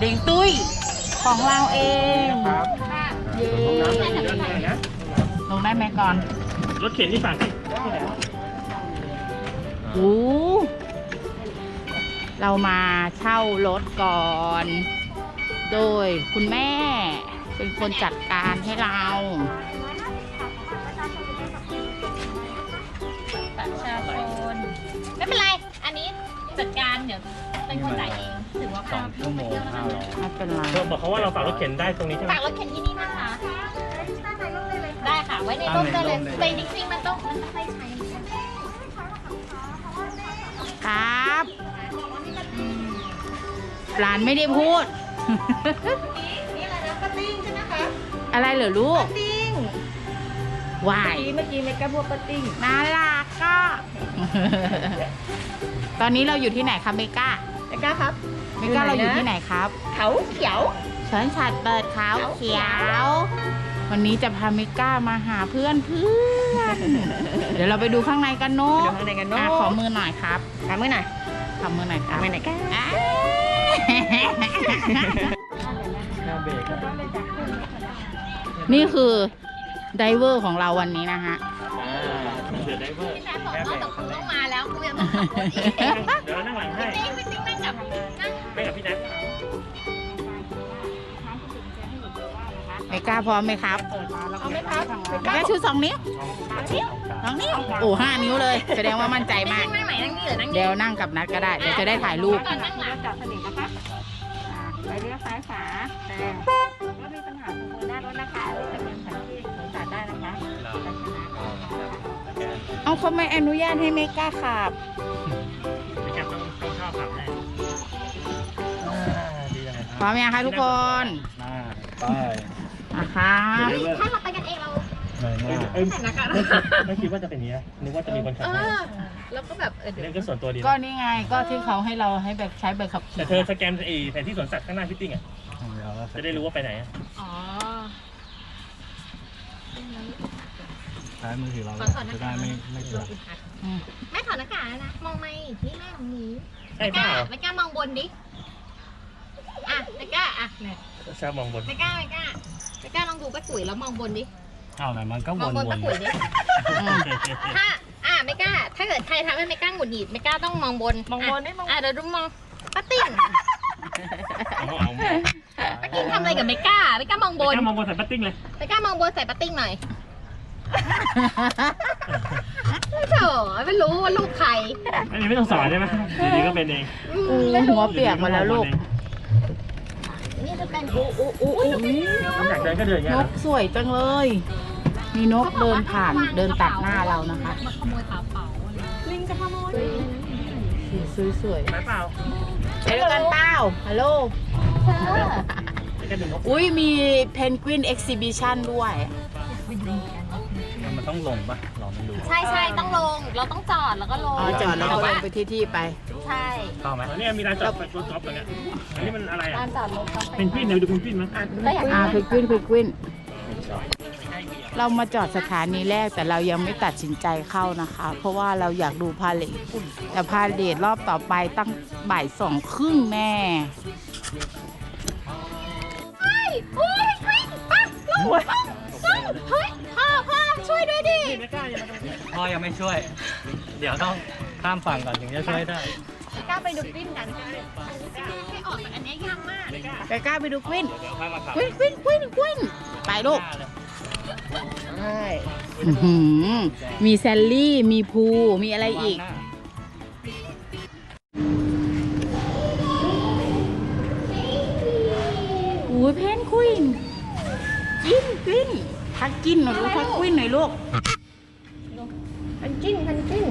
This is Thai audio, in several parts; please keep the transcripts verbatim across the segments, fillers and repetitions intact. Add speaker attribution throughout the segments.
Speaker 1: เด้งตุ้ยของเราเองเย้ลงได้ไหมก่อน
Speaker 2: รถเข็นที่ฝั่งที่
Speaker 1: โอ้เรามาเช่ารถก่อน โดยคุณแม่เป็นคนจัดการให้เรา
Speaker 3: ประชาชนไม่เป็นไรอันนี้จัดการเดี๋ยวเป็นคนจ่ายเองถือว่าสองชั่วโมงห้าร้อย
Speaker 1: ไม่เป็นไร
Speaker 2: เราบอกเขาว่าเราฝากรถเข็นได้ตรงนี้ใช่ไหม
Speaker 3: ฝากรถเข็นที่นี่นะคะได้ค่ะไว้ในร่มได้เลยแต่จริงๆมันต้องมันต้องใช้ใช้
Speaker 1: ครับหลานไม่ได้พูด
Speaker 3: นี่อะไรนะปาติ้งใช่ไหมคะ
Speaker 1: อะไรเหรอลูก
Speaker 3: ปาติ้ง
Speaker 1: วาย
Speaker 3: เมื่อกี้เมกะบัวปาติ้ง
Speaker 1: น่ารักก็ ตอนนี้เราอยู่ที่ไหนครับเมกา
Speaker 3: เมกาครับ
Speaker 1: เมกาเราอยู่ที่ไหนครับ
Speaker 3: เขาเขียว
Speaker 1: เฉินฉัดเปิดเขาเขียววันนี้จะพาเมกามาหาเพื่อนเพื่อนเดี๋ยวเราไปดูข้างในกันเนาะ
Speaker 3: ข้างในกันเนาะ
Speaker 1: ขอมือหน่อยครับ
Speaker 3: ขอมือหน่อย
Speaker 1: ขอมือหน่อยครับ
Speaker 3: มือหน่อยกัน
Speaker 1: นี่คือไดเวอร์ของเราวันนี้นะฮะ
Speaker 2: เดี๋ยวไดเวอร์
Speaker 3: พี่แจ๊คบอกว่าแต่คุณต้องมาแล้วคุณยังต้องขับรถอีก
Speaker 2: เดี๋ยวเรานั่งหลังให้
Speaker 3: พี่ติ๊กพี่ติ๊กนั่งกับนั่ง
Speaker 2: ไม่กับพี่แจ๊ค
Speaker 1: เมกาพร้อมไหมครับ
Speaker 3: เอาไหมครับ
Speaker 1: เมกาชูสองนิ้วสองนิ้วโอ้ห้านิ้วเลยแสดงว่ามั่นใจมาก
Speaker 3: นั่งไหนนั่งนี่หรือนั่งนี่
Speaker 1: เดี๋ยวนั่งกับนัดก็ได้เดี๋ยวจะได้ถ่ายรูป
Speaker 3: นั่งหลังจับสนิทนะคะ
Speaker 4: ไปเลี้ยวซ้ายขวาแต่รถมีปัญหาตรงมือหน้ารถนะคะจะเป็นแผนที่สวนสัตว์ได้นะคะ
Speaker 1: เอาเขาไม่อนุญาตให้เมกาขับ
Speaker 2: เมกาต้องต้องชอบขับแน่
Speaker 1: พร้อมยังคะทุกคน
Speaker 2: ไป
Speaker 1: นะครับ
Speaker 3: ถ้าเราไปกันเองเรา
Speaker 2: เอ้ยไม่คิดว่าจะเป็นนี้นะนึกว่าจะมีคนขับ
Speaker 3: แล้วก็แบบเออเดี๋ยว
Speaker 2: ก็ส่วนตัวดี
Speaker 1: ก็นี่ไงก็ที่เขาให้เราให้แบบใช้ใบขับขี่
Speaker 2: แต่เธอสแกนไอ้แผนที่สวนสัตว์ข้างหน้าพิตติ้งอ่ะจะได้รู้ว่าไปไหน
Speaker 3: อ๋อ
Speaker 2: ใช้มือถือเราจะได้ไม่ไม่เกิด
Speaker 3: แม่ถอดหน้ากากนะมองไม่นี่แม่ของหนู
Speaker 2: ไม่กล้า
Speaker 3: ไม่กล้ามองบนดิอ่ะไม่กล้าอ่ะเนี่ย
Speaker 2: ชอบมองบน
Speaker 3: ไม่กล้าไม่กล้าไม่กล้าลองดูป้ากุ๋ยแล้วมองบนดิ
Speaker 2: เอาไหนมันก็วน
Speaker 3: มองบนป้ากุ๋ยดิถ้าอ่ะไม่กล้าถ้าเกิดใครทำให้ไม่กล้าหงุดหงิดไม่กล้าต้องมองบน
Speaker 4: มองบนไม่มอง
Speaker 3: อ่ะเดี๋ยวดูมองป้าติ้งป้าติ้งทำอะไรกับไม่กล้าไม่กล้ามองบน
Speaker 2: ไม่กล้ามองบนใส่ป้าติ้งเลย
Speaker 3: ไม่กล้ามองบนใส่ป้าติ้งหน่อยไม่เถอะไม่รู้ว่าลูกใคร
Speaker 2: อันนี้ไม่ต้องสอนใช่ไหมดีๆก็เป็นเอง
Speaker 1: หัวเปียกมาแล้วลูก
Speaker 3: นี่จะเป็นอู้อู้อู้
Speaker 2: อยากเดินก็เดิน
Speaker 1: นกสวยจังเลยมีนกเดินผ่านเดินตัดหน้าเรานะคะ
Speaker 3: มาขโมยกระเป๋าลิงจะขโมย
Speaker 1: สวยสวย
Speaker 2: ไปเปล่า
Speaker 1: ไปด้วยกันเปล่าฮัลโหลอุ้ยมีเพนกวินเอ็กซิบิชันด้วย
Speaker 2: มันต้องลงปะลองไม่ดู
Speaker 3: ใช่ใช่ต้องลงเราต้องจอดแล้วก็ลง
Speaker 1: จอดแล้วก็ลงไปที่ที่ไป
Speaker 3: ใช่
Speaker 2: เข้าไหมนี่มีร้านจอดรถจอดตรงนี้อันนี้มันอะไรอ่ะ
Speaker 3: ร้านจอดรถ
Speaker 2: เป็นกวินเดี๋ยวดูเป็นกวินมั้ย
Speaker 1: อ่าเพนกวินเพนกวินเรามาจอดสถานีแรกแต่เรายังไม่ตัดสินใจเข้านะคะเพราะว่าเราอยากดูพาเลทแต่พาเลทรอบต่อไปตั้งบ่ายสองครึ่งแน่
Speaker 3: เฮ้ยโอ้ยกวินปั๊บลงเฮ้ยพ่อพ่อช่วยด้วยดิ
Speaker 2: พ่อยังไม่ช่วยเดี๋ยวต้องข้ามฝั่งก่อนถึงจะช่วยได้
Speaker 3: กล้าไปดูกวินกันให้ออกอันนี้ยากมาก
Speaker 1: ไปกล้าไปดูกวินกวินกวินกวินกวินไปลูกใช่มีแซลลี่มีพูมีอะไรอีกโอ้ยเพนกวินกินกวินทักกินหน่อยลูกทักกวินหน่อยลูก
Speaker 3: พันกิ้นพันกิ้น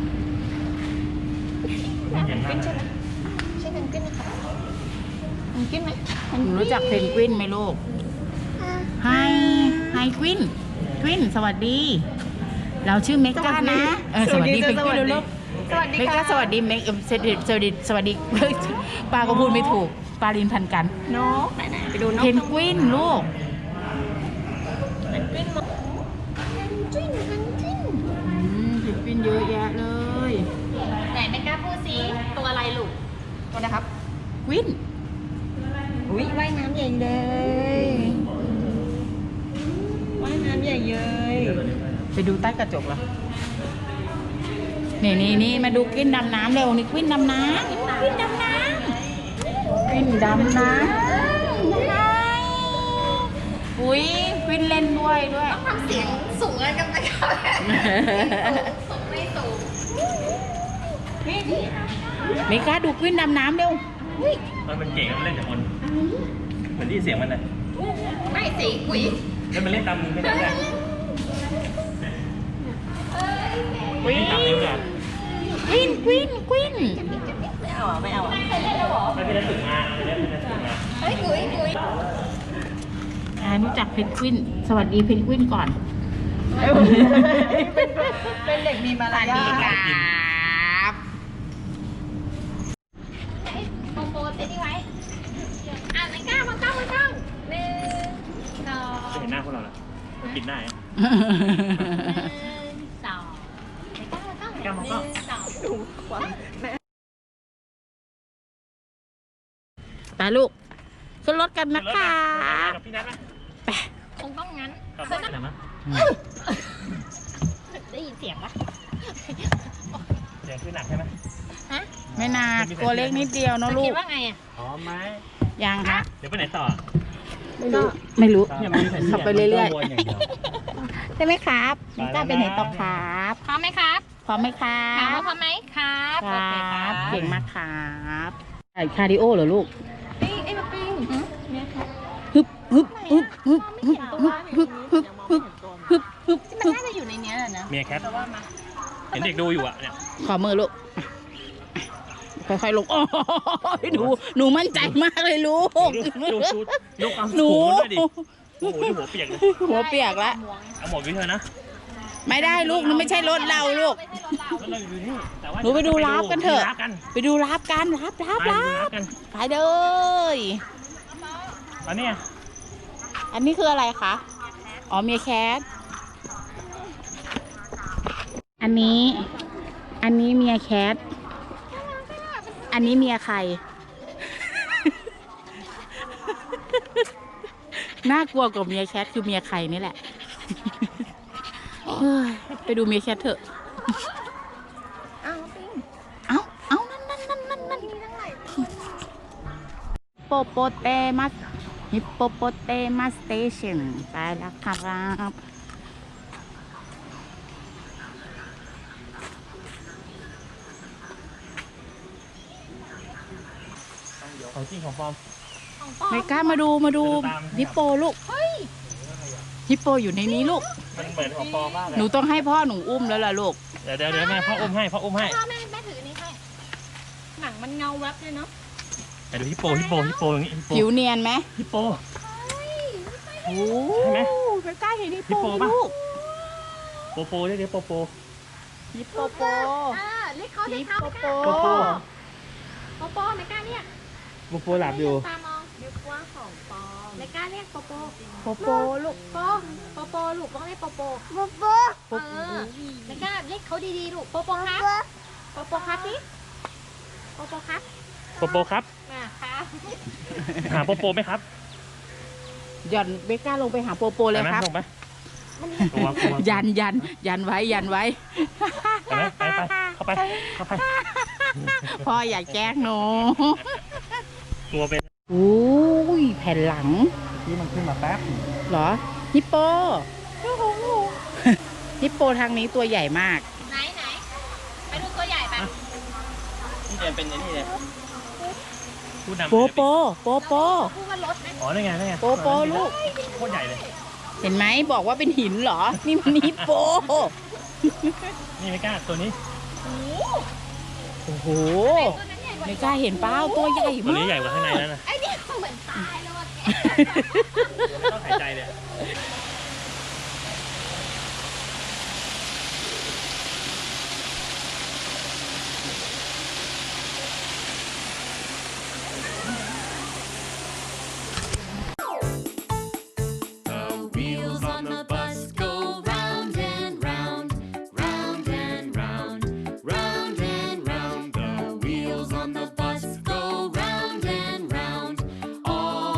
Speaker 3: พันกิ้นใช่ไหมใช่พันกิ้นไหมคะพันกิ้นไหม
Speaker 1: หนูรู้จักเพนกวินไหมลูกไฮไฮกวินกวินสวัสดีเราชื่อเมกานะสวัสดีเพนกวินลูกเมกาสวัสดีเมกสวัสดีสวัสดีสวัสดีปาก็พูดไม่ถูกปาลินพันกัน
Speaker 3: นกไหนๆไปดูนก
Speaker 1: เพนกวินลูก
Speaker 3: เพนกวินเพนกวินเพนกวิน
Speaker 1: เพนกวินเยอะแยะเลย
Speaker 3: ไหนเมกาพูดซิตัวอะไรลูกตัวนะครับ
Speaker 1: กวิน
Speaker 3: ก
Speaker 4: อุ้ยว่ายน้ำใหญ่เลยว่ายน้ำใหญ่เลย
Speaker 1: ไปดูใต้กระจกเหรอนี่นี่นี่มาดูกวินดำน้ำเร็วนี่กวินดำน้ำกวินดำน้ำกวินดำน้ำอุ้ยกวินเล่นด้วยด้วย
Speaker 3: ทำเสียงสูงกันไปก่อนสูงไม่สูง
Speaker 1: เมกาดูกวินดำน้ำเร็ว
Speaker 2: มันเป็นเก่งมันเล่นจากคนเหมือนที่เสียงมันนะ
Speaker 3: ไม่สิกุ๋ย
Speaker 2: แล้วมันเล่นตามมือไม่ได้ไงเล่นตามนิ้วเลย
Speaker 1: กวินกวินกวิน
Speaker 4: ไม่เอาอ่ะไม่เอาอ่ะ
Speaker 2: ไม่เป็นนักศึกษาไม่ได้เป็นนักศึกษา
Speaker 3: เฮ้ยกุ๋ยกุ๋ย
Speaker 1: อ่ารู้จักเพนกวินสวัสดีเพนกวินก่อน
Speaker 4: เป็นเด็กมีมารยาท
Speaker 1: บ
Speaker 3: โปโปเต็ดดี้ไว้อ่ะไม่กล้ามาก้ามาก้าหนึ่งสอง
Speaker 2: จะเห็นหน้าพวกเราแล้วปิดหน้าอ่ะ
Speaker 3: หนึ่งสองไม่กล้ามาก้าหนึ่งสอง
Speaker 1: ไปลูกขึ้นรถกันนะคะ
Speaker 2: กับพี่นัทนะ
Speaker 1: ไป
Speaker 3: คงต้องงั้น
Speaker 2: กับพี่นัทอะไรมั้ง
Speaker 3: ได้ยินเสียงปะ
Speaker 2: เสียงคือหนักใช่ไหม
Speaker 3: ฮะ
Speaker 1: ไม่นากตัวเล็กนิดเดียวเนอะลู
Speaker 3: คิ
Speaker 1: ก
Speaker 3: ดว่าไงอ่ะ
Speaker 2: พร้อมไหม
Speaker 1: ยังคะ
Speaker 2: เดี๋ยวไปไหนต่อ
Speaker 1: ไม่รู้ไม่รู้
Speaker 2: เนี่ยมันมีแผนที่
Speaker 1: ขับไปเรื่อย
Speaker 2: มันวนอย่างเดียว
Speaker 1: ๆใช่ไหมครับนี่กล้าไปไหนต่อครับ
Speaker 3: พร้อมไหมครับ
Speaker 1: พร้อมไหมครั
Speaker 3: ถามว่า
Speaker 1: บ
Speaker 3: พร้อมไหมครับ
Speaker 1: ค
Speaker 3: โอ
Speaker 1: รั
Speaker 3: เคครับ บ
Speaker 1: เก่งมากครับใส่คาร์ดิโอเหรอลูก
Speaker 3: ปิ้งไอ้มาปิ้งเนี่ยค่ะ
Speaker 1: ฮึบฮึบฮึบฮึบฮึบฮึบฮึบฮึบฮึบฮึบ
Speaker 3: มัน
Speaker 1: ฮึบ
Speaker 3: น่าจะอยู่ในเนี้ยแหละนะ
Speaker 2: เมียแคทเห็นเด็กดูอยู่อ่ะเนี่ย
Speaker 1: ขอมือลูกค่อยๆลงโอ้ยหนูหนูมั่นใจมากเลยลูก
Speaker 2: ดูดูดูความ
Speaker 1: หนู
Speaker 2: สูงด้วยดิโอ้โหดูหัวเปียกเลย
Speaker 1: หัวเปียกแล้ว
Speaker 2: เอาหมดวิเธอนะ
Speaker 1: ไม่ได้ลูกนี่ไม่ใช่รถเราลูก
Speaker 2: แล้วเราอยู่นี่แต่ว่า
Speaker 1: หนูไปดูราฟกันเถอะ
Speaker 2: ไปดูราฟกัน
Speaker 1: ไปดูรับกันรับรับ
Speaker 2: ไปดู
Speaker 1: รั
Speaker 2: รา
Speaker 1: บ
Speaker 2: ฟกัน
Speaker 1: ไปเลย
Speaker 2: อันเนี้ย
Speaker 1: อันนี้คืออะไรคะ อ๋อเมียแคท อันนี้ อันนี้เมียแคท อันนี้เมียใคร น่ากลัวกว่าเมียแคทคือเมียใครนี่แหละ เฮ้ยไปดูเมียแคทเถอะ
Speaker 3: อ้าวปิ้ง
Speaker 1: เอาเอานั่นนั่นนั่นนั่นนั่นโปโปเตมัสฮิปโปโปเตมัสสเตชันไปแล้วครับ
Speaker 2: ของจริงของปลอม
Speaker 3: ของปลอม
Speaker 1: ไม่กล้ามาดูมาดู
Speaker 2: เดินตาม
Speaker 1: ฮิปโปลูกฮิปโปอยู่ในนี้ลูก
Speaker 2: มันเหมือนของปลอมมากเลย
Speaker 1: หนูต้องให้พ่อหนูอุ้มแล้วล่ะลูก
Speaker 2: เดี๋ยวเดี๋ยวเดี๋ยวแม่พ่ออุ้มให้พ่ออุ้มให้
Speaker 3: พ่อแม่แม่ถือนี่ให้หนังมันเงาแวบเลยเนาะ
Speaker 2: ไปดูฮิปโปฮิปโปฮิปโปอย่างงี้ฮิปโป
Speaker 1: ผิวเนียนไหม
Speaker 2: ฮิปโป
Speaker 1: โอ้
Speaker 2: ใช่ไหม
Speaker 1: ไม่กล้าเห็นฮิป
Speaker 2: ฮิป
Speaker 1: โป
Speaker 2: โป
Speaker 1: ไหม
Speaker 2: ปะ
Speaker 1: ลูก
Speaker 2: โปโปเรียกเรียกโปโป
Speaker 1: ฮิปโปโป
Speaker 3: อ่าเรียกเขาเรี
Speaker 1: ฮิ
Speaker 3: ยก
Speaker 1: ป
Speaker 3: เขา
Speaker 1: โป
Speaker 3: ไม่ก
Speaker 1: โป
Speaker 3: ล้า
Speaker 2: โปโป
Speaker 3: โปโปไม่กล้าเรียก
Speaker 2: โปโปหลับอยู่
Speaker 3: ตามองนึกว่าของปลอมไม่กล้าเรียกโปโป
Speaker 1: โปโปลูก
Speaker 3: โปโปโปลูกต้องเรียกโปโป
Speaker 1: โปโป
Speaker 3: เออไม่กล้าเรียกเขาดีๆลูกโปโปครับโปโปครับพี่โปโปครับ
Speaker 2: โปโปครับ
Speaker 3: อ่ะครับ
Speaker 2: หาโปโปไหมครับ
Speaker 1: หย่อนเบก้าลงไปหาโปโปเลย
Speaker 2: ไปไหม
Speaker 1: ครับ
Speaker 2: ลงไหมกลัวกลัว
Speaker 1: ยันยันยันไว้ยันไว้
Speaker 2: ไปไหมไปไปเข้าไปเข้าไป
Speaker 1: พ่ออยากแกล้งหนู
Speaker 2: กลัวเป็น
Speaker 1: อุ้ยแผ่นหลัง
Speaker 2: ที่มันขึ้นมาแป๊บ
Speaker 1: เหรอ ฮิปโป ฮิปโปทางนี้ตัวใหญ่มาก
Speaker 3: ไหนไหนไปดูตัวใหญ่ไป
Speaker 2: นี่เดินเป็นนี่เลยพูดนำ
Speaker 1: โปโป โปโป
Speaker 3: พูดว่ารถไหม
Speaker 2: อ๋อนี่ไงนี่ไง
Speaker 1: โปโปลูก
Speaker 2: โคตรใหญ่เลย
Speaker 1: เห็นไหมบอกว่าเป็นหินเหรอ นี่มันฮิปโป
Speaker 2: นี่ไม่กล้าตัวนี้
Speaker 1: โอ้โห
Speaker 3: ตัวนั้นใหญ่กว่า
Speaker 1: ไม่กล้าเห็นเปล่าตัวใหญ่
Speaker 2: ตัว
Speaker 1: มา
Speaker 2: นี้
Speaker 1: ก
Speaker 2: ใหญ่กว่าข้างในแล้วนะ
Speaker 3: ไอ้นี่เหมือนตายแล้วอะแก
Speaker 2: ไม่ต้องหายใจเลย
Speaker 5: The wheels on the bus go round and round, round and round, round and round. The wheels on the bus go round and round all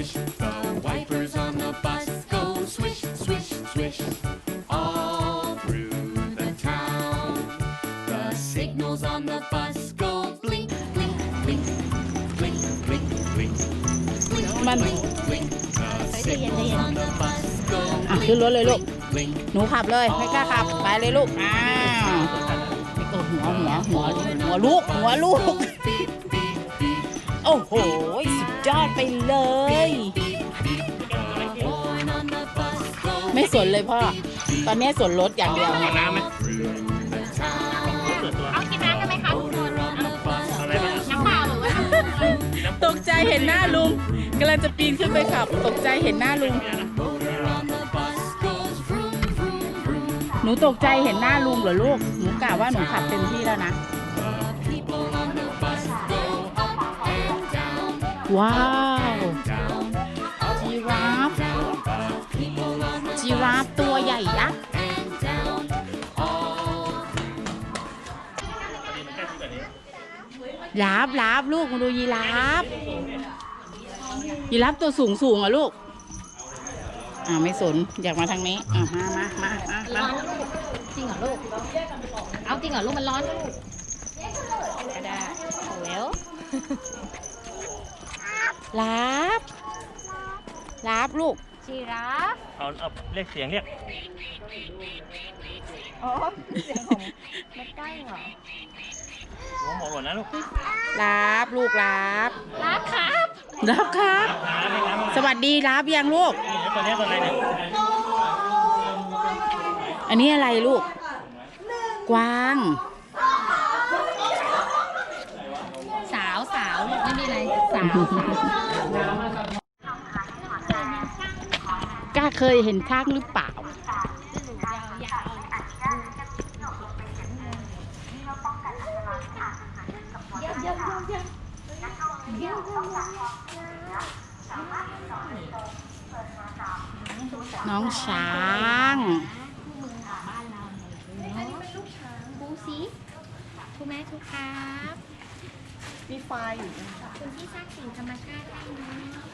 Speaker 5: swish. The wipers on the bus go swish, swish, swish. All through the town. The signals on the bus go blink, blink, blink. Blink, blink, blink. Blink,
Speaker 1: มัน
Speaker 5: blink, blink. The signals on the bus go
Speaker 1: อ่ะขึ้นรถเลยลูก
Speaker 5: blink.
Speaker 1: หนูขับเลยไม่กล้าขับไปเลยลูกอ้าวนี่ก็หัวหัวหัวหัวลูกหัวลูก
Speaker 5: Beep, beep, beep.
Speaker 1: โอ้โหสุดยอดไปเลย
Speaker 5: Horn on the bus go
Speaker 1: ไม่สนเลยพ่อ ตอนนี้สนรถอย่างเดียว
Speaker 2: เอาน้ำไหม
Speaker 5: through the town.
Speaker 2: เปิดตัว
Speaker 3: เอากินน้ำกันไหมคะทุกคน
Speaker 5: On the bus
Speaker 2: อะไรบ้าง
Speaker 3: น้ำเปล่าหรือว่าน้ำ
Speaker 1: ตกใจเห็นหน้าลุงกำลังจะปีนขึ้นไปขับ ตกใจเห็นหน้าลุง
Speaker 5: motor on the bus goes vroom, vroom, vroom.
Speaker 1: หนูตกใจเห็นหน้าลุงเหรอลูก หนูกะว่าหนูขับเต็มที่แล้วนะ
Speaker 5: The people on the bus go up and down,
Speaker 1: ว้าว
Speaker 5: down,
Speaker 1: จีราฟ
Speaker 5: down. The people on the
Speaker 1: จีราฟตัวใหญ่ยักษ์
Speaker 5: and down. All
Speaker 1: ลาบลาบลูกมาดูยีราฟยีราฟตัวสูงสูงอ่ะลูก อ่าไม่สนอยากมาทางนี้อ่ามามามามา
Speaker 3: ร้
Speaker 1: มา
Speaker 3: อนนะลูกจริงเหรอลูก เอาจริงเหรอลูกมันร้อนนะลูกก็ได้เวล
Speaker 1: ลาบลาบลูก
Speaker 3: จีราฟ
Speaker 2: เอาเอาเรียกเสียงเรียก
Speaker 4: อ๋อเสียงของแม่ใกล้เหรอ
Speaker 2: หัวหมอหล่นนะลูก
Speaker 1: ลาบลูกลาบ
Speaker 3: รับครับ
Speaker 1: ลาบครับ
Speaker 2: น้ำให้น้ำ
Speaker 1: สวัสดีลาบยังลูก
Speaker 2: ตัวนี้ตัวอะไรเนี่ย
Speaker 1: อันนี้อะไรลูก กวาง
Speaker 3: สาวสาวลูกไม่มีอะไรสาวสาว
Speaker 1: กล้าเคยเห็นช้างหรือเปล่า
Speaker 3: ยาวๆ
Speaker 1: น้องช้าง
Speaker 3: ปูสีถูกไหมถูกครับ
Speaker 4: มีไฟอยู่นะ
Speaker 3: คุณที่สร้างสิ่งธรรมชาติให้นะ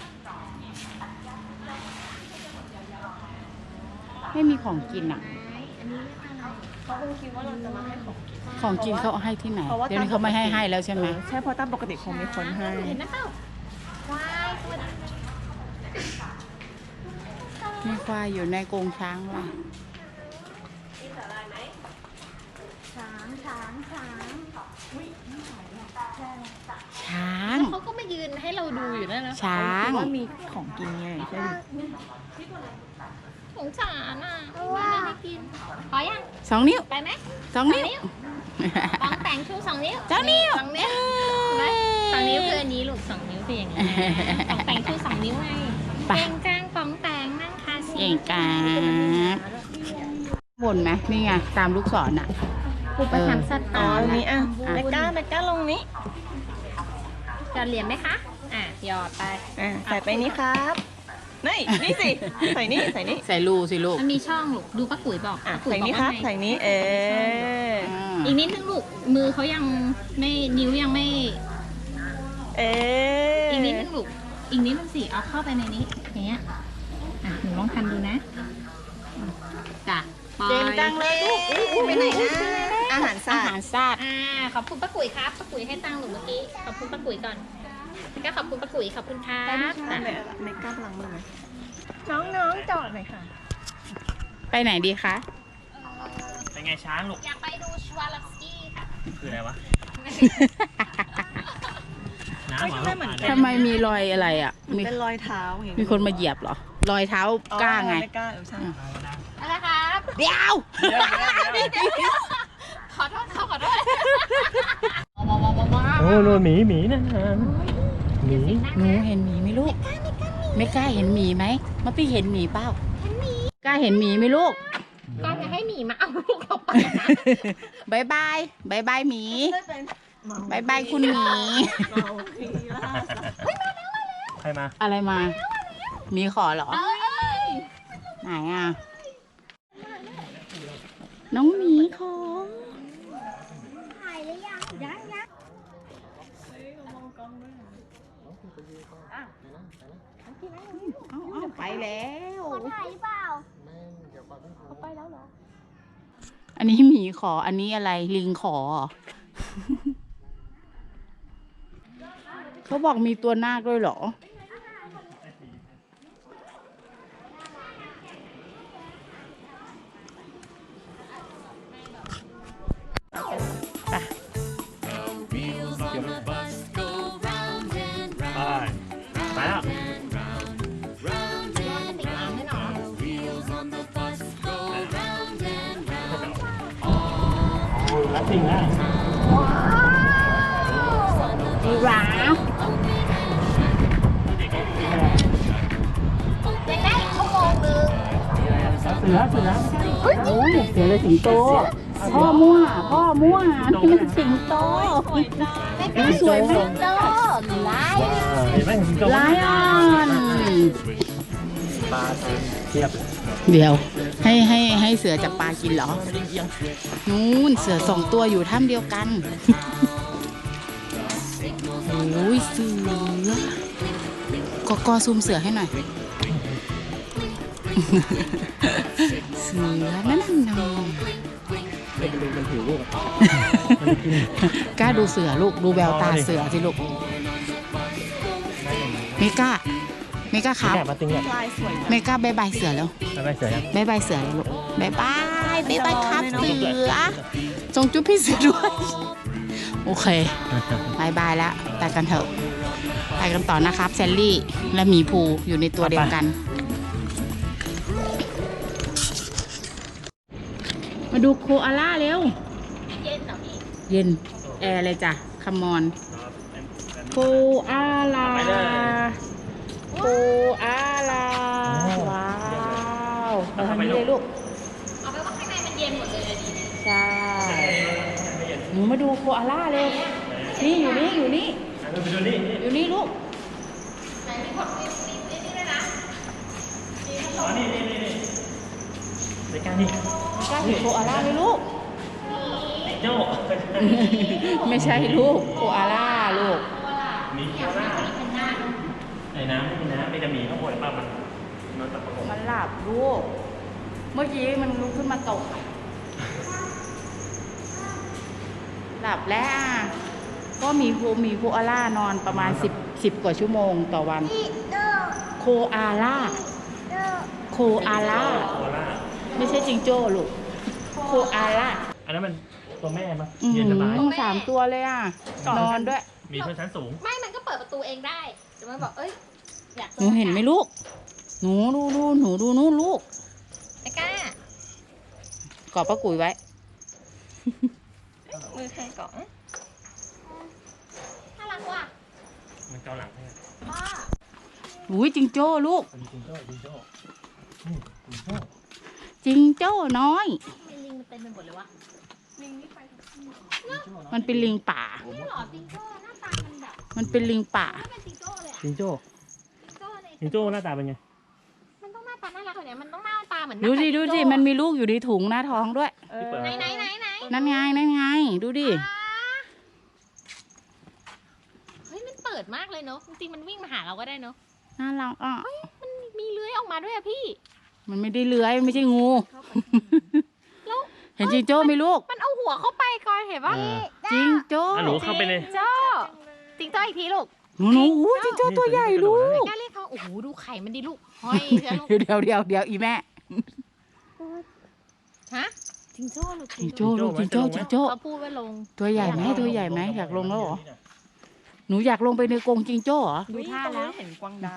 Speaker 1: ไม่มีของกินอ่ะ
Speaker 3: อันนี้เรียกอะไร
Speaker 4: เขาคงคิดว่าเราจะมาให้ของกิน
Speaker 1: ของกินเขาเอาให้ที่ไหน
Speaker 4: เพราะว่า
Speaker 1: เดี๋ยวนี้เขาไม่ให้ให้แล้วใช่ไหม
Speaker 4: ใช่เพราะตามปกติคงมีคนให้
Speaker 3: เห็นนะเปล่าว้ายตัวนี้
Speaker 1: มีควายอยู่ในกรงช้างว่ะ
Speaker 3: ช้างช้างช้าง
Speaker 1: ช้าง
Speaker 3: เขาก็มายืนให้เราดูอยู่นั่นนะ
Speaker 1: ช้าง
Speaker 4: คิดว่ามีของกินไงใช่ไหม
Speaker 3: สงสารอ่ะไม่ได้ให้กินพอยัง
Speaker 1: สองนิ้ว
Speaker 3: ไปไหม
Speaker 1: สองนิ้ว
Speaker 3: ปองแต่งชูสองนิ้ว
Speaker 1: สองนิ้ว
Speaker 3: สองนิ้วเห็นไหมสองนิ้วคืออันนี้ลูกสองนิ้วคืออย่างนี้ปองแต่งชูสองนิ้วไง
Speaker 1: ไป
Speaker 3: เก่งจังปองแต่งนั่งคาซี
Speaker 1: เก่งกาบนไหมนี่ไงตามลูกศรอ่ะ
Speaker 3: อุปถัมภ์สัตว์
Speaker 4: อ๋อ
Speaker 3: ป่า
Speaker 4: ตรงนี้อ่ะแม่ก้าแม่ก้าลงนี้
Speaker 3: หยอดเหรียญไหมคะอ่ะหยอดไป
Speaker 4: อ่ะใส่ไปนี่ครับนี่นี่สิใส่นี่ใส่นี่
Speaker 1: ใส่รูสิลูก
Speaker 3: มันมีช่องลูกดูป้ากุ๋ยบอก
Speaker 4: อ่ะ
Speaker 3: ป้ากุ๋ย
Speaker 4: ใส่
Speaker 3: บอก
Speaker 4: นี่ครั
Speaker 3: ว่า
Speaker 4: บ
Speaker 3: ไง
Speaker 4: ใส่นี่เออ
Speaker 1: อ่า
Speaker 3: อีกนิดนึงลูกมือเขายังไม่นิ้วยังไม่
Speaker 4: เออ
Speaker 3: อีกนิดนึงลูกอีกนิดนึงสิเอาเข้าไปในนี้อย่างเงี้ยอ่ะหนูลองทำดูนะจ้ะปล่อย
Speaker 4: เก่งจังเลยลูกอุ๊ยไปไหนนะอาหารสั
Speaker 1: อา
Speaker 4: ต
Speaker 1: หาร
Speaker 4: ว์
Speaker 1: สัตว์
Speaker 3: อ่าขอบคุณป้ากุ๋ยครับป้ากุ๋ยให้ตังค์หนูเมื่อกี้ขอบคุณป้ากุ๋ยก่อนแล้วก็ขอบคุณป้ากุ๋ยขอบคุณครับ
Speaker 4: ได้ไหม
Speaker 3: จ้ะ
Speaker 4: แม่ก้าล้างมือไหมน้องๆจอดหน่อยค่ะ
Speaker 1: ไปไหนดีคะ
Speaker 2: เป็นไงช้างลูก
Speaker 3: อยากไปดูชวาลอฟสกี้ค่ะ
Speaker 2: คืออะไรวะ น้ำ
Speaker 4: ไม่
Speaker 2: ห
Speaker 4: ใช่
Speaker 2: รอ
Speaker 4: เหมือน
Speaker 2: ลูก
Speaker 1: ทำไมมีรอยอะไรอ่ะ มี
Speaker 4: เป็นรอยเท้าอย่าง
Speaker 1: มีคนมาเหยียบเหรอ รอยเท้า
Speaker 4: อ๋อก
Speaker 1: ล้าไง
Speaker 4: ไม่กล้าเออใช่
Speaker 3: อะไรครับ
Speaker 1: เดี๋ยว
Speaker 3: ขอโทษเขาขอโทษ
Speaker 2: โอ้โหหมีหมีนั่นนะหมี
Speaker 1: หนูเห็นหมีไหมลูก ไม่กล้าเห็นหมีไหมมาพี่เห็นหมีเปล่า
Speaker 3: เห็นหมี
Speaker 1: กล้าเห็นหมีไหมลูก
Speaker 3: ก็จะให้หมีมาเอาลูกเราไปนะ
Speaker 1: บายบายบายบายหมีบายบายคุณหมี
Speaker 2: ใครมา
Speaker 1: อะไรมาหมีขอเหรอ
Speaker 3: เอ้ย
Speaker 1: ไหนอ่ะ น้องหมีขอ
Speaker 3: ถ่ายหรือยังยังยัง
Speaker 4: กินอะไร
Speaker 1: แล้ว
Speaker 4: คนถ่ายเปล่า
Speaker 3: เขาไปแล้วเหรอ
Speaker 1: อันนี้หมีขอ อันนี้อะไรลิงขอเหรอ เขาบอกมีตัวนาคด้วยเหรอ
Speaker 5: The wheels on the bus go round and
Speaker 2: ไป
Speaker 5: round,
Speaker 2: ไปแล้ว
Speaker 5: round and round. The wheels on the bus go round and round.
Speaker 2: แล้วสิ่งนะ
Speaker 1: ยีราฟ
Speaker 3: ยังได้อีกชั่วโมงนึง
Speaker 2: เสือเสือ
Speaker 1: โอ้ยเสือเลยสิงโต พ่อมั่ว พ่อมั่วนี่มันสิงโตสวยไหม
Speaker 3: โตไล่
Speaker 2: เห็นไหมสิงโต
Speaker 1: ไลออน
Speaker 2: ปลาเทียบ
Speaker 1: เดี๋ยว ให้ให้ให้เสือจับปลากินเหรอ นู่นเสือสองตัวอยู่ถ้ำเดียวกัน โอ้ยเสือกอกอซูมเสือให้หน่อย เสือนั่นน่ะ
Speaker 2: มันหิวลูก
Speaker 1: กล้าดูเสือลูกดูแววตาเสือสิลูกเมก้าเมก้าครับ
Speaker 2: แกมาติงเนี่ย
Speaker 1: เมก้าบายบายเสือแล้ว
Speaker 2: ไปเสือยัง
Speaker 1: บายบายเสือแล้วลูกบายบายบายบายครับเสือจงจุ๊บพี่เสือด้วยโอเคบายบายแล้วไปกันเถอะไปกันต่อนะครับแซลลี่และหมีภูอยู่ในตัวเดียวกัน มาดูโคอาล่าเร็ว
Speaker 3: เย็นเหรอพี่
Speaker 1: เย็นแอร์เลยจ้ะคัมมอนโคอาล่าโคอาล่าว้าวเอาทางนี้เลยลูก
Speaker 3: เอาไปว่าข้างในมันเย็นหมดเลยอะดิ
Speaker 1: ใช่หนูมาดูโคอาล่าเร็วนี่อยู่นี่อยู่นี่
Speaker 2: ไปดูนี่
Speaker 1: อยู่นี่ลูก
Speaker 3: ไหนมีกดนี่นี่นี่ด้วยนะ
Speaker 2: อ๋อนี่นี่นี่นี่ในการนี่
Speaker 1: กล้าเห็นโคอาล่าไหมลูก
Speaker 2: โจ้
Speaker 1: ไม่ใช่ลูกโคอาล่าลูก
Speaker 2: มีโคล่าในน้ำไม่มีน้ำมีแต่หมีข้างบนป่ะมันมันตะประกบ
Speaker 1: มันหลับลูก เมื่อกี้มันลุกขึ้นมาตกหลับแล้วอ่ะก็มีโคมีโคอาล่านอนประมาณสิบสิบกว่าชั่วโมงต่อวัน โคอาล่า โคอาล่า
Speaker 2: โคล่า
Speaker 1: ไม่ใช่จิงโจ้ลูก โคอาล่า
Speaker 2: อันนั้นมันตัวแม่ปะ
Speaker 1: อือ
Speaker 2: เย็นสบาย
Speaker 1: หือสามตัวเลยอ่ะ นอนด้วย
Speaker 2: มีชนชั้นสูง
Speaker 3: ไม่มันก็เปิดประตูเองได้แต่มันบอกเอ้ยอยาก
Speaker 1: หนูเห็นไหมลูก หนูดูดูหนูดูนู่นลูก
Speaker 3: ไอ้ก้าก
Speaker 1: อดป้ากุ๋ยไว้
Speaker 3: มือใครก่อนน่ารักว่ะ
Speaker 2: มันเกาหลังให้
Speaker 3: พ่อ
Speaker 1: อุ้ยจิงโจ้ลูก
Speaker 2: จิงโจ้จิงโจ้นี่จิงโจ้
Speaker 1: จิงโจ้น้อย
Speaker 3: เป็นลิงมันเต็มไปหมดเลยวะลิงนี่ไป
Speaker 1: มันเป็นลิงป่า
Speaker 3: นี่หรอจิงโจ้หน้าตามันแบบ
Speaker 1: มันเป็นลิงป่า
Speaker 3: ไม่เป็นจิงโจ้เลยอะ
Speaker 2: จิงโจ้
Speaker 3: จิงโจ้ใน
Speaker 2: จิงโจ้หน้าตาเป็นไง
Speaker 3: มันต้องหน้าตาน่ารักกว่านี้มันต้องหน้าตาเหมือนห
Speaker 1: ดู
Speaker 3: น้า
Speaker 1: ดิ
Speaker 3: ตา
Speaker 1: ดู
Speaker 3: จิ
Speaker 1: ดิ
Speaker 3: งโจ้
Speaker 1: มันมีลูกอยู่ในถุงหน้าท้องด้วย
Speaker 2: ที่เปิด
Speaker 3: ไหนไหนไหนไหน
Speaker 1: นั่นไง นั่นไง ดูดิ
Speaker 3: อ่าเฮ้ยมันเปิดมากเลยเนอะจริงๆมันวิ่งมาหาเราก็ได้เนอะ
Speaker 1: น่ารักอ่ะ
Speaker 3: มันมีเลื้อยออกมาด้วยอะพี่
Speaker 1: มันไม่ได้เลื้อยมันไม่ใช่งู
Speaker 3: แล้ว
Speaker 1: เห็นจิงโจ้ไหมลูก
Speaker 3: มันเอาหัวเข้าไปก่อนเห็นปะ
Speaker 2: เออ
Speaker 1: จิงโจ้
Speaker 2: อ่ะหนูเข้าไปเลย
Speaker 3: จิงโจ้จิงโจ้อีกทีลูก
Speaker 1: หนูหนูอู้จิงโจ้ตัวใหญ่ลูก
Speaker 3: กล้าเรียกเขาโอ้โหดูไข่มันดิลูกห้อยเชียวลูก
Speaker 1: เดี๋ยวเดี๋ยวเดี๋ยวเดี๋ยวอีแม่
Speaker 3: ฮะจิงโจ้ลูก
Speaker 1: จิงโจ้ลูกจิงโจ้จิงโจ้
Speaker 3: เขาพูดว่าลง
Speaker 1: ตัวใหญ่ไหมตัวใหญ่ไหมอยากลงแล้วเหรอ หนูอยากลงไปในกรงจิงโจ้เหรอ
Speaker 4: ดูท่าแล้วเห็นกวางดาว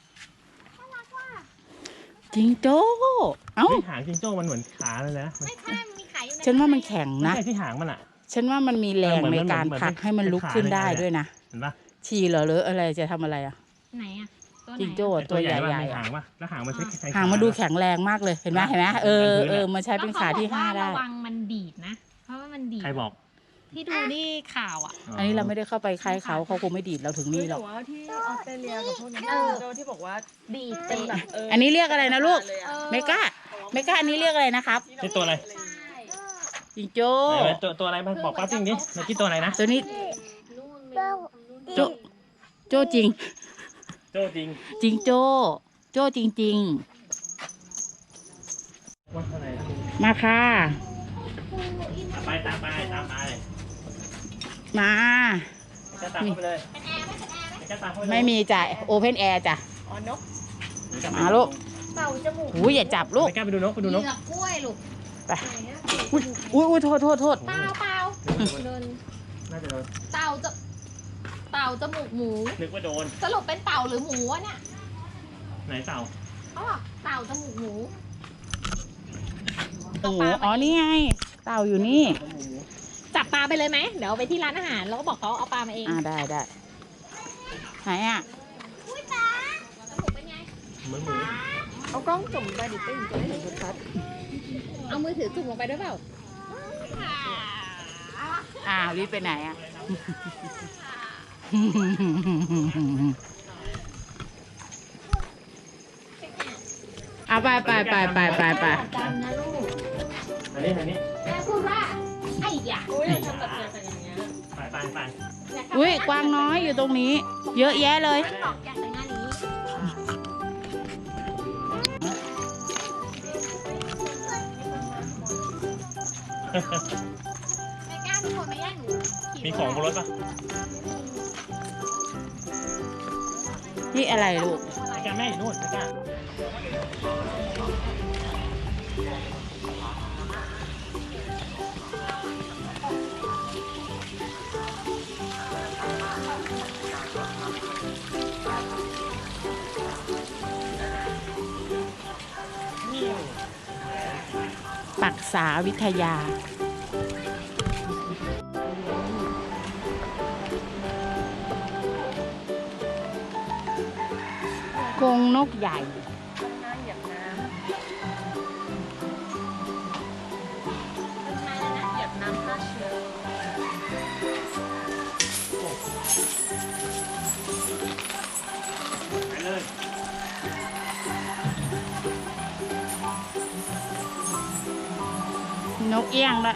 Speaker 1: จิงโจ้ เอ้า
Speaker 2: เฮ้ยหางจิงโจ้มันเหมือนขาเลยนะมัน
Speaker 3: ไม่ใช่มันมีไข่อยู่ใน
Speaker 1: ฉันว่ามันแข็ง
Speaker 2: ไม่
Speaker 1: นะ
Speaker 2: ใช่ที่หางมันอ่ะ
Speaker 1: ฉันว่ามันมีแรง
Speaker 2: เหมือน
Speaker 1: ใน
Speaker 2: มัน
Speaker 1: การ
Speaker 2: เหมือน
Speaker 1: ผลัก
Speaker 2: เป็น
Speaker 1: ให้มันลุกขึ้นได้
Speaker 2: เป็นขา
Speaker 1: ด้วยนะ
Speaker 2: เห็นปะ
Speaker 1: ฉี่เหรอหรืออะไรจะทำอะไรอ่ะ
Speaker 3: ไหนอะตัวไหน
Speaker 1: จิงโจ้
Speaker 2: ไอ้
Speaker 1: ตัวใหญ่
Speaker 2: ปะ
Speaker 1: ใหญ่
Speaker 2: มีหางปะแล้วหางมันใช้ใช้
Speaker 1: หางมาดูแข็งแรงมากเลยเห็นไหมเห็นไหมเออเออมันใช้เป็นขาที่ห้าได้
Speaker 3: ระวังมันดีดนะ เพราะว่ามันดีด
Speaker 2: ใครบอก
Speaker 3: ที่ดูนี่ข่าวอ่ะ
Speaker 1: อันนี้เราไม่ได้เข้าไปใครเขาเขาคงไม่ดีดเราถึงนี่หรอก
Speaker 4: ว่าที่ออสเตรเลียกับพวกนั้น
Speaker 3: เออ
Speaker 4: โจที่บอกว่า
Speaker 3: ดีด
Speaker 4: เป็
Speaker 3: เต็
Speaker 4: น
Speaker 3: ม
Speaker 4: แบบเออ
Speaker 1: อันนี้เรียกอะไรนะลูก
Speaker 4: เลยอะ
Speaker 1: เมก้าเมก้าอันนี้เรียกอะไรนะครับ
Speaker 2: นี่ตัวอะไร
Speaker 1: จิงโจ้
Speaker 2: ไหนไหนตัวตัวอะไรมันบอกป้าจริงดิเมื่อกี้ตัวอะไรนะ
Speaker 1: ตัวนี้
Speaker 3: นู่นไม่รู้
Speaker 1: โจโจ้จริง
Speaker 2: โจ้จริง
Speaker 1: จิงโจ้โจจ้จริง
Speaker 2: วัดอะไรนะ
Speaker 1: ๆ มาค่ะ
Speaker 2: ไปตามไปตามไป
Speaker 1: มา
Speaker 2: จะตามเข้าไปเลย
Speaker 3: เป็นแอร์ไหมเป็นแอร์ไหม
Speaker 2: จะตามเข้าไปเลย
Speaker 1: ไม่มีจ่ายโอเพนแอร์จ้ะ
Speaker 3: อ๋อนก
Speaker 1: มาลูก
Speaker 3: เต่าจมูก
Speaker 1: อุ้ยอย่าจับลูก
Speaker 2: ไม่กล้าไปดูนกไปดูนก
Speaker 3: เหยือกกล้วยลูก
Speaker 1: ไป อุ้ยอุ้ยอุ้ยโทษโทษโทษ
Speaker 3: เปล่าเปล่าเดิน
Speaker 2: น่าจะโดน
Speaker 3: เต่าจะเต่าจมูกหมู
Speaker 2: นึกว่าโดน
Speaker 3: สรุปเป็นเต่าหรือหมูวะเนี่ย
Speaker 2: ไหนเต่า
Speaker 3: เขาบอกเต่าจมูกหมู
Speaker 1: โอ้โหอ๋อ นี่ไง เต่าอยู่นี่
Speaker 3: จับปลาไปเลยไหมเดี๋ยวเอาไปที่ร้านอาหารแล้วก็บอกเขาเอาปลามาเอง
Speaker 1: อ่าได้ได้ไหนอ่ะ
Speaker 3: อุ้ยปลาจมูกเป็นไง
Speaker 2: เหมือนหมู
Speaker 4: เอากล้องจุ่มไปดิติ้งจะได้เห็นชัด
Speaker 3: เอามือถือจุ่มลงไปด้วยเปล่า
Speaker 1: อ้าวรีบไปไหนอ่ะ เอาไปไปไปไปไปไป
Speaker 3: จำนะลูก
Speaker 2: อันนี้อันนี้
Speaker 3: แม่พูดว่าไอ้ยา
Speaker 4: ๆอุ้ยทำแบบเนี้ยแต่อย่างเงี้ย
Speaker 2: ไปไปไป
Speaker 1: อุ้ยกวางน้อยอยู่ตรงนี้ เยอะแยะเลย
Speaker 3: บอกอยากแต่งงานอย่างนี้ไม่กล้าทุกคนไม่แย่งหนูขี่
Speaker 2: มีของบนรถปะ
Speaker 1: นี่อะไรลูก
Speaker 2: ไม่กล้าแม่อยู่นู่นไม่กล้า
Speaker 1: ปักษาวิทยา กรงนกใหญ่
Speaker 4: น้ำเหยียบน้ำเหยียบน้ำฆ่าเชื้อ
Speaker 2: ไปเลย
Speaker 1: นกเอี้ยงละ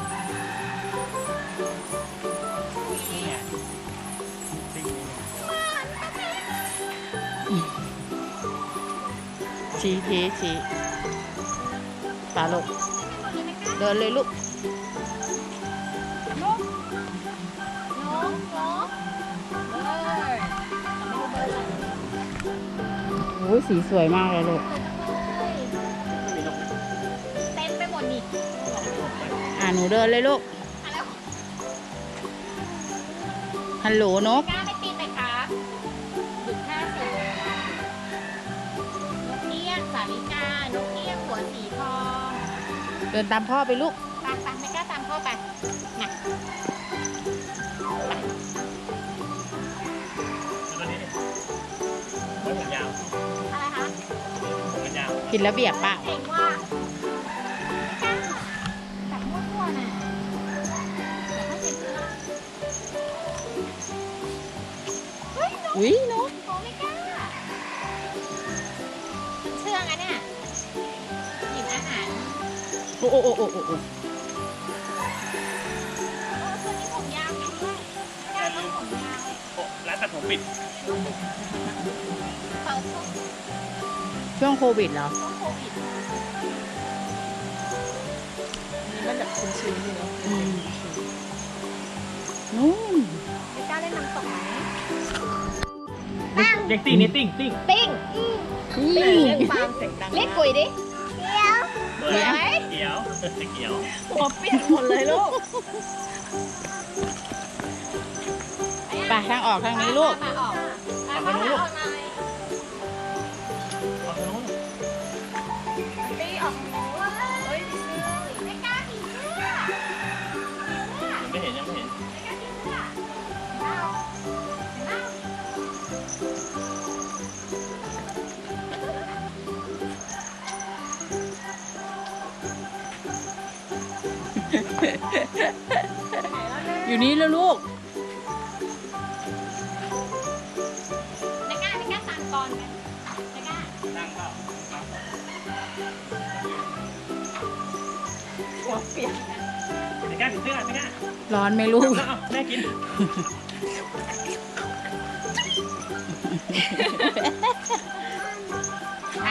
Speaker 1: ชี้ชี้ชี้ปลาลูก เดินเลยลูก
Speaker 3: นกนกเอ้ยไม่รู้เบอร์อะไร
Speaker 1: โอ้ยสีสวยมากเลยลูก
Speaker 3: เต้นไปหมดนี่
Speaker 1: อ่าหนูเดินเลยลูก
Speaker 3: อ่ะแล้ว
Speaker 1: ฮัลโหลนก
Speaker 3: กล้าไม่ตีนไหมครับหยุดห้าสิบนกเอี้ยงสาลิกานกเอี้ยงหัวสีทอง
Speaker 1: เดินตามพ่อไปลูก
Speaker 3: ตามตามไม่กล้าตามพ่อไปน่ะ
Speaker 2: แล้วก็นี่ไว้ผมยาว
Speaker 3: อะไรคะ
Speaker 2: ผมยาว
Speaker 1: กินระเบียบเปล่า
Speaker 3: เก่งว่าไม่กล้าจับมั่วๆน่ะเดี๋ยวเขาเจ็บเสื้อเฮ้ยนก
Speaker 1: อุ้ยนก
Speaker 3: โอ้ไม่กล้าเชื่องอะเนี่ยหยิบอาหาร
Speaker 1: โอ้โอ้โอ้โอ้โอ้โอ้
Speaker 3: เออตัวนี้ผมยาวจริงด้วยไม่กล้าต้องผมยาว
Speaker 2: โอ้ร้านตัดผมปิด
Speaker 3: เปิดช่วง
Speaker 1: ช่วงโควิดเหรอ
Speaker 3: ช่วงโควิด
Speaker 4: นี่มันแบบชื้นๆอยู่เนาะ
Speaker 1: อืมนู่น
Speaker 3: ไม่กล้าเล่นน้ำตกไหม
Speaker 2: เด็กติ้งนี่ติ้งติ้ง
Speaker 3: ติ้ง
Speaker 1: นี่
Speaker 4: เล่นฟาร์มเสียงดัง
Speaker 3: เรียกกุยดิ
Speaker 2: เฮ้ยเขียวเขียว
Speaker 4: หัวเปลี่ยนหมดเลยลูก
Speaker 1: ไปทางออกทางนี้ลูก
Speaker 3: มาออกมาออกมาออกมา
Speaker 2: เอาตรงนู้น
Speaker 3: ตีออกเฮ้ยไม่กล้าผีเสื้อ
Speaker 2: ยังไม่เห็นยังไม่เห็น
Speaker 3: ไม่กล้าผีเสื้อเอาเอา
Speaker 1: อยู่นี่แล้วลูก
Speaker 3: ไม่กล้าไม่กล้าตามก่อนไหมไม่กล้า
Speaker 2: นั่งเปล่า
Speaker 4: หัวเปลี่ยน
Speaker 2: ไม่กล้าถือเสื้อไม่กล้า
Speaker 1: ร้อนไหมลูก
Speaker 2: เอาแม่กิน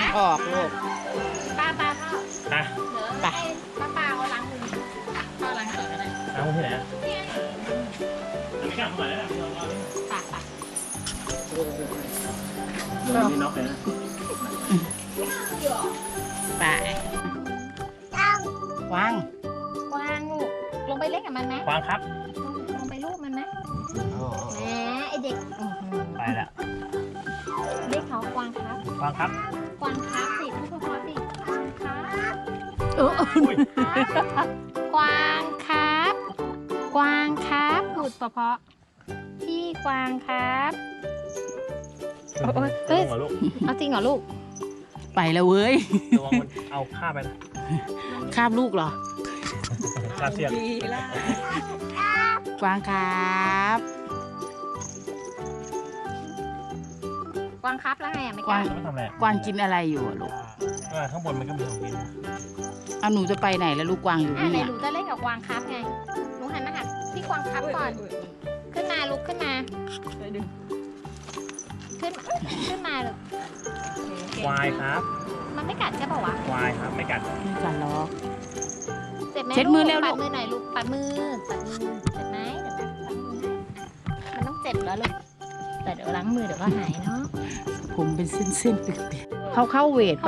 Speaker 1: ออกลูก
Speaker 3: ป้าป้าพ่อ
Speaker 2: อ่ะ
Speaker 3: เดี๋ยวให้ป้าป้าเอาล้างมือพ่อล้างก่อนก็ได้
Speaker 2: น้ำที่ไหนอ่ะไม่กล้าเข้ามาแล้วเราเรา
Speaker 3: ป้าป้า
Speaker 2: เราไม่น็อกเลยนะ
Speaker 1: ไปวาง
Speaker 3: กวางลูกลงไปเล่นกับมันไหม
Speaker 2: วางครับ
Speaker 3: ลงไปลูบมันไหมแหมไอเด็กอื้อหือ
Speaker 2: ไปละ
Speaker 3: เรียกเขากวางครับ
Speaker 2: วางครับ
Speaker 3: กวางครับสิพูดเพราะๆสิกวางครับ
Speaker 1: เออ
Speaker 2: อุ้ย
Speaker 3: กวางครับ กวางครับพูดเพราะๆพี่กวางครับ โอ้ยเฮ้
Speaker 2: เฮ้
Speaker 3: ย
Speaker 2: ยลูก
Speaker 3: เอาจริงเหรอลูก
Speaker 1: ไปแล้วเว้ย
Speaker 2: ระวังมันเอาข้าไปนะ
Speaker 1: คาบลูกเหรอ
Speaker 2: ข้าเสียบ
Speaker 4: ดีแล้ว
Speaker 1: กวางครับ
Speaker 3: กวางครับแล้วไงอ่ะไม่
Speaker 1: ก
Speaker 3: ก
Speaker 1: วา
Speaker 3: ล้าง
Speaker 2: ไม่ทำอะไร
Speaker 1: กวางกินอะไรอยู่อะลูก
Speaker 2: เออข้างบนมันก็มีของกิน
Speaker 1: เอาหนูจะไปไหนแล้วลูกกวางอยู่
Speaker 3: อ่ะ
Speaker 1: นี่
Speaker 3: ไหน
Speaker 1: เนี่ย
Speaker 3: หนูจะเล่นกับกวางครับไงหนูหันมาหาพี่กวางครับก่อน ขึ้นมาลุกขึ้นมา
Speaker 4: ไปดึง
Speaker 3: ขึ้นขึ้นมาลูก
Speaker 2: ควายครับ
Speaker 3: มันไม่กัดใช่ป่าวะ
Speaker 2: ควายครับไม่กัด
Speaker 1: ไม่กันหรอก
Speaker 3: เจ็บไหม
Speaker 1: เช็ดมือเร็วลู
Speaker 3: ปั
Speaker 1: ก
Speaker 3: ดมือหน่อยลูกปัดมือปัดมือเจ็บไหมเดี๋ยวนะปัดมือให้อ่ะมันต้องเจ็บแล้วลูกแต่เดี๋ยวล้างมือเดี๋ยวก็หายเนาะ
Speaker 1: ผมเป็นเส้นๆเปียกๆเขาเข้าเวทปะ